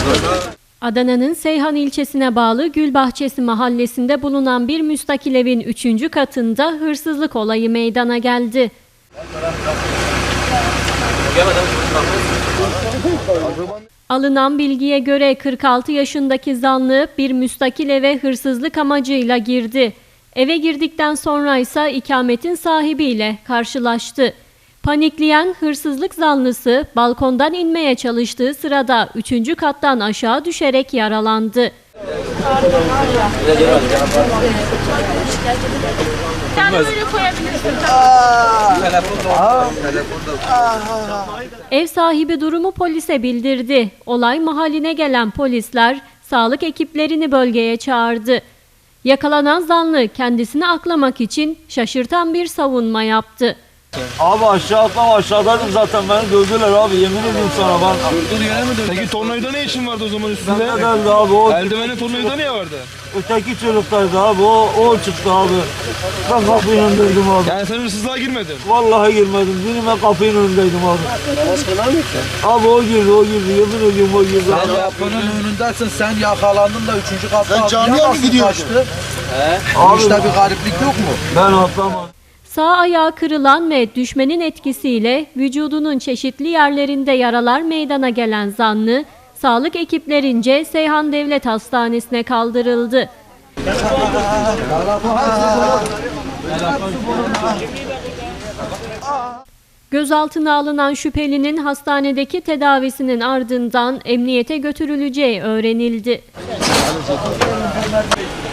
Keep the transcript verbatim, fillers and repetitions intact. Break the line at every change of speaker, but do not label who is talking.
Adana'nın Seyhan ilçesine bağlı Gülbahçesi mahallesinde bulunan bir müstakil evin üçüncü katında hırsızlık olayı meydana geldi. Alınan bilgiye göre kırk altı yaşındaki zanlı bir müstakil eve hırsızlık amacıyla girdi. Eve girdikten sonra ise ikametin sahibiyle karşılaştı. Panikleyen hırsızlık zanlısı balkondan inmeye çalıştığı sırada üçüncü kattan aşağı düşerek yaralandı. Ev sahibi durumu polise bildirdi. Olay mahalline gelen polisler sağlık ekiplerini bölgeye çağırdı. Yakalanan zanlı kendisini aklamak için şaşırtan bir savunma yaptı.
Abi aşağı atlama, aşağıdaydım zaten, beni gördüler abi, yemin ediyorum sana ben.
Gördüğün yere mi döndün? Peki tornavida ne işin vardı o zaman üstünde?
Ne geldi abi o?
Eldivenin tornavida niye vardı?
Öteki çocuklardı abi, o, o çıktı abi. Ben kapının önündeydim abi.
Yani sen hırsızlığa girmedin.
Vallahi girmedim, birime kapının önündeydim abi.
Namaz kılar mısın?
Abi o girdi, o girdi, yemin ediyorum o girdi.
Sen kapının önündesin, sen yakalandın da üçüncü katta.
Sen camiye mi gidiyorsun?
He? Abi, işte bir gariplik yok mu?
Ben atlamadım.
Sağ ayağı kırılan ve düşmenin etkisiyle vücudunun çeşitli yerlerinde yaralar meydana gelen zanlı, sağlık ekiplerince Seyhan Devlet Hastanesi'ne kaldırıldı. Gözaltına alınan şüphelinin hastanedeki tedavisinin ardından emniyete götürüleceği öğrenildi.